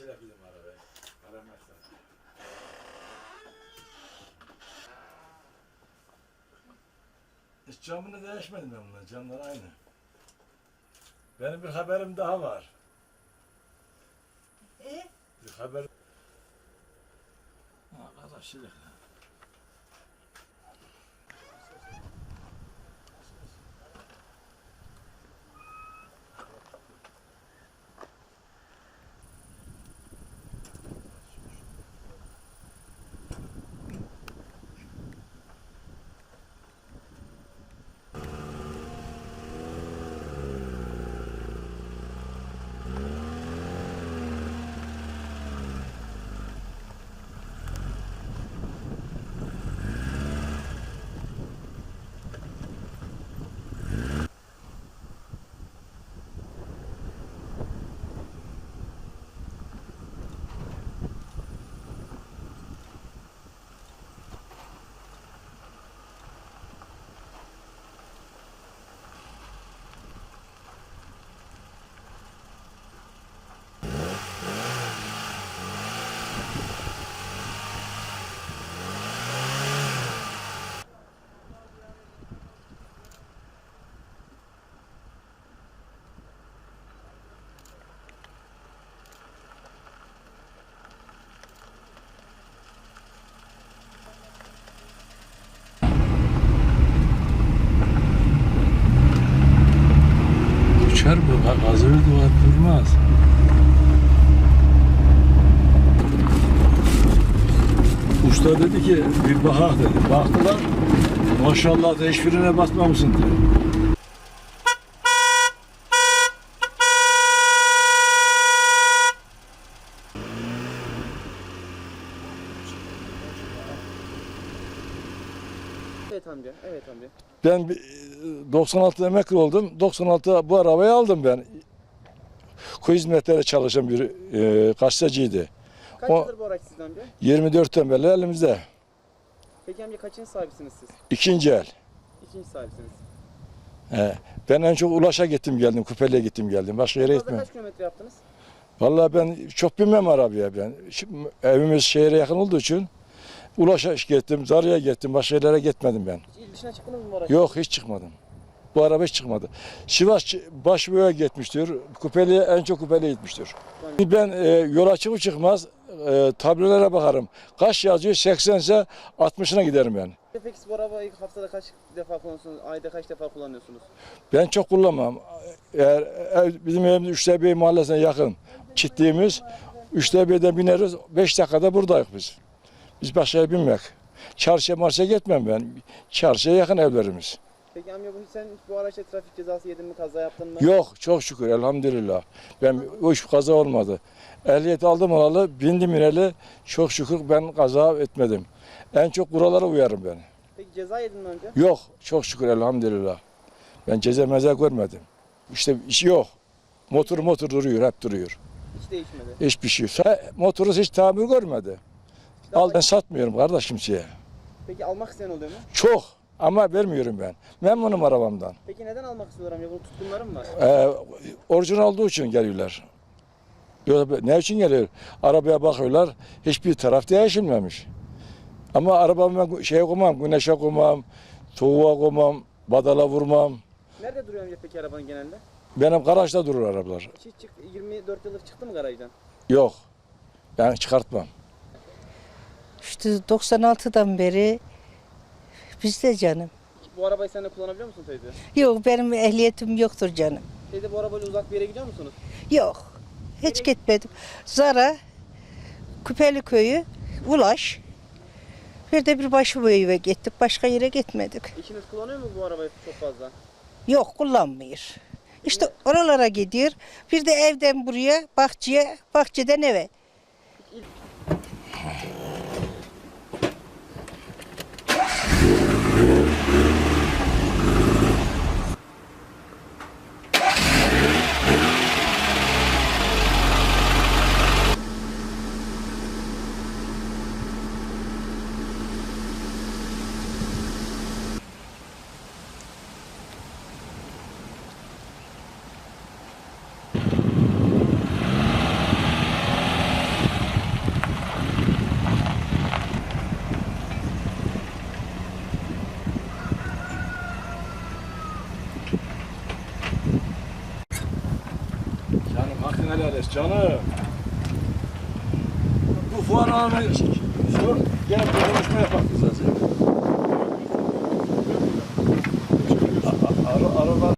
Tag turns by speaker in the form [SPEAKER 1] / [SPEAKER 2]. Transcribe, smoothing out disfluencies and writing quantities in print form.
[SPEAKER 1] Açarak gidelim arabaya. Aramazsan. Hiç camını değişmedim ben bundan. Camlar aynı. Benim bir haberim daha var. Bir haber. Arkadaşlar. Uçar bu, hazır duvar durmaz. Usta dedi ki bir bakak dedi. Baktılar, maşallah da hiçbirine basmamışsın diyor.
[SPEAKER 2] Evet amca, evet amca.
[SPEAKER 1] Ben 96'da emekli oldum. 96'da bu arabayı aldım ben. Kuyu hizmetleri çalışan bir gazeteciydi.
[SPEAKER 2] Kaç
[SPEAKER 1] O-
[SPEAKER 2] yıldır bu araç sizde amca?
[SPEAKER 1] 24'ten beri elimizde.
[SPEAKER 2] Peki amca kaçıncı sahibisiniz siz?
[SPEAKER 1] İkinci el.
[SPEAKER 2] İkinci sahibisiniz.
[SPEAKER 1] Ben en çok Ulaş'a gittim geldim, Kupeli'ye gittim geldim. Başka yere
[SPEAKER 2] Fazla
[SPEAKER 1] gitmiyorum.
[SPEAKER 2] kaç kilometre yaptınız?
[SPEAKER 1] Vallahi ben çok bilmem arabaya ben. Şimdi evimiz şehre yakın olduğu için Ulaş'a gittim, Zarı'ya gittim, başka yerlere gitmedim ben.
[SPEAKER 2] Hiç il dışına çıktınız mı bu araç?
[SPEAKER 1] Yok hiç çıkmadım. Bu araba hiç çıkmadı. Sivas Başbuğ'a gitmiştir. Kupeli'ye en çok Kupeli'ye gitmiştir. Ben yola çıkıp çıkmaz tablolara bakarım. Kaç yazıyor? 80 ise 60'ına giderim ben.
[SPEAKER 2] Peki siz bu arabayı haftada kaç defa kullanıyorsunuz? Ayda kaç defa kullanıyorsunuz?
[SPEAKER 1] Ben çok kullanmam. Eğer bizim evimiz Üçtepe mahallesine yakın. Çitliğimiz Üçtepe'de bineriz. 5 dakikada buradayız biz. Biz başka binmek. Çarşıya marşaya gitmem ben. Çarşıya yakın evlerimiz.
[SPEAKER 2] Peki amca sen hiç bu araçta trafik cezası yedin mi? Kaza yaptın mı?
[SPEAKER 1] Yok çok şükür elhamdülillah. Ben o iş kaza olmadı. Ehliyet aldım alalı, bindim ineli. Çok şükür ben kaza etmedim. En çok kurallara uyarım ben.
[SPEAKER 2] Peki ceza yedin mi amca?
[SPEAKER 1] Yok çok şükür elhamdülillah. Ben ceza meza görmedim. İşte iş yok. Motor duruyor, hep duruyor.
[SPEAKER 2] Hiç değişmedi.
[SPEAKER 1] Hiçbir şey. Motoru hiç tamir görmedi. Ben satmıyorum kardeş kimseye.
[SPEAKER 2] Peki almak isteyen oluyor mu?
[SPEAKER 1] Çok ama vermiyorum ben. Memnunum arabamdan.
[SPEAKER 2] Peki neden almak istiyorlar amca? Bunun tutkunları mı var?
[SPEAKER 1] Orijinal olduğu için geliyorlar. Yoksa ne için geliyor? Arabaya bakıyorlar, hiçbir taraf değişilmemiş. Ama arabamı şeye koymam, güneşe koymam, soğuğa koymam, badala vurmam.
[SPEAKER 2] Nerede duruyor amca peki arabanın genelde?
[SPEAKER 1] Benim garajda durur arabalar.
[SPEAKER 2] Hiç 24 yıldır çıktı mı garajdan?
[SPEAKER 1] Yok, ben çıkartmam.
[SPEAKER 3] İşte 96'dan beri bizde canım.
[SPEAKER 2] Bu arabayı sen de kullanabiliyor musun teyze?
[SPEAKER 3] Yok benim ehliyetim yoktur canım.
[SPEAKER 2] Teyze bu arabayla uzak bir yere gidiyor musunuz?
[SPEAKER 3] Yok. Hiç gitmedim. Zara, Küpeli Köyü, Ulaş. Bir de bir Başbuğ'a gittik. Başka yere gitmedik.
[SPEAKER 2] Eşiniz kullanıyor mu bu arabayı çok fazla?
[SPEAKER 3] Yok kullanmıyor. İşte oralara gidiyor. Bir de evden buraya, bahçeye, bahçeden eve.
[SPEAKER 1] helal et canım. Bu fuar ağına sor, gene bir konuşma yapar bize.